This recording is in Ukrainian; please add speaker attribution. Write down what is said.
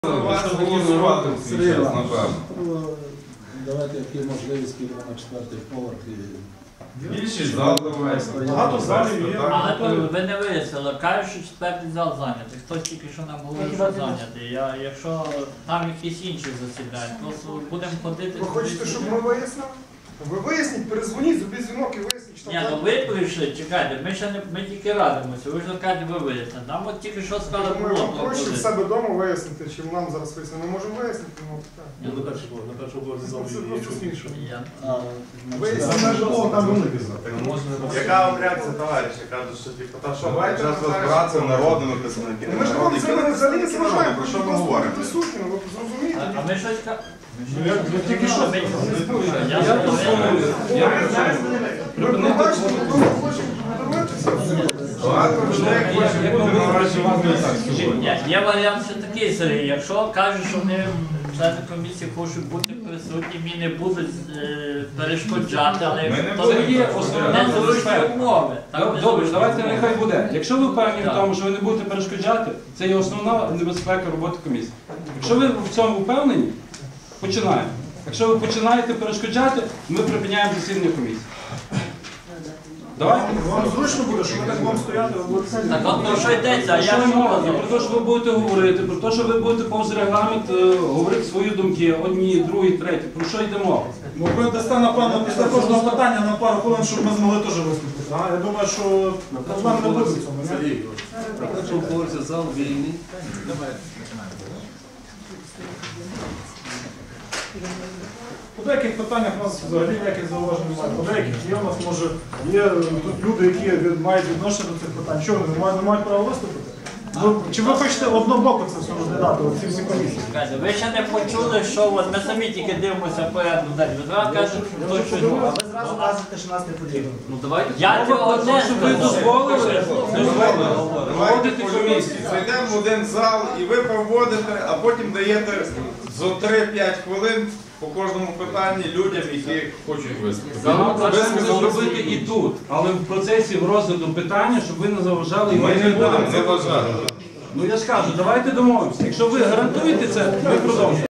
Speaker 1: Вас голосувати всі час, напевно.
Speaker 2: Давайте, як є можливість, підемо на 4-й поверх і...
Speaker 1: Більшість зал давайте.
Speaker 3: Багато залів є.
Speaker 4: Але ви не вияснили, кажуть, що четвертий зал зайнятий. Хтось тільки що нам говорив, що зайнятий. Якщо там якісь інші засідають, то будемо ходити...
Speaker 3: Ви хочете, щоб ми вияснили? Ви виясніть, перезвоніть, зробіть дзвінок і виясніть, що
Speaker 4: Ні,
Speaker 3: там...
Speaker 4: ну ви прийшли, чекайте, ми тільки радимося, ви ж кажете, ви вияснили. Нам от тільки що сказали,
Speaker 3: Ми
Speaker 4: було.
Speaker 3: вам проще в себе вдома вияснити, чим нам зараз вияснити. Ми можемо вияснити, ну так.
Speaker 5: На першому поверсі зал
Speaker 3: Це просто смішно.
Speaker 2: Вияснити житло, там великий зал.
Speaker 6: Яка вам реакція, товариші? Кажуть, що типу, та що,
Speaker 1: Давайте
Speaker 6: зараз
Speaker 1: розбиратися народними представниками.
Speaker 3: Ми ж вам це взагалі не заважаємо,
Speaker 1: Про що ми
Speaker 3: просто
Speaker 1: говоримо?
Speaker 3: присутні, ви зрозумієте.
Speaker 4: А ми щось кажемо.
Speaker 3: Тільки що? Ви пробачте, ви хочете подивитися.
Speaker 1: Багато людей хочуть бути
Speaker 4: Ні, є варіант ще такий, Сергій, якщо кажуть, що вони, члени комісії, хочуть бути присутніми і не будуть перешкоджати, але
Speaker 7: Це є основна
Speaker 4: незручні умови.
Speaker 7: Добре, давайте нехай буде. Якщо ви впевнені в тому, що ви не будете перешкоджати, це є основна небезпека роботи комісії. Якщо ви в цьому впевнені, починаємо. Якщо ви починаєте перешкоджати, ми припиняємо засідання комісії. Давайте.
Speaker 3: Вам зручно буде, що ми так будемо стояти, ви будете сидіти.
Speaker 4: Так от про що йдеться, а я
Speaker 7: Що
Speaker 4: що
Speaker 7: мова?
Speaker 4: казав?
Speaker 7: Про те, що ви будете говорити, про те, що ви будете повз регламент говорити свої думки, одні, другі, треті. Про що йде мова?
Speaker 8: Ну, ви дасте, напевно, після кожного питання на пару хвилин, щоб ми змогли теж виступити. Я думаю, що проблем не буде в цьому. ні?
Speaker 5: на першому поверсі зал вільний.
Speaker 8: По деяких питаннях у нас взагалі ніяких зауважень немає. По деяких є у нас, може, є тут люди, які мають відношення до цих питань. Що, вони не мають права виступити? Чи ви хочете однобоко це все розглядати, оці всі комісії?
Speaker 4: Чекайте, ви ще не почули, що от ми самі тільки дивимося порядку день. Ви зразу кажете, що хтось щось робить.
Speaker 2: Ви зразу кажете, що нас не потрібно.
Speaker 7: Ну давайте.
Speaker 4: Я цього не
Speaker 7: Щоб ви дозволили проводити комісію.
Speaker 1: Зайдемо в один зал і ви проводите, а потім даєте за 3-5 хвилин по кожному питанні людям, які хочуть виступити.
Speaker 7: Ми це зробити і тут, але в процесі розгляду питання, щоб ви не заважали і
Speaker 1: Ми не будемо
Speaker 7: не
Speaker 1: заважати.
Speaker 7: Ну я ж кажу, давайте домовимося. Якщо ви гарантуєте це, ми продовжуємо.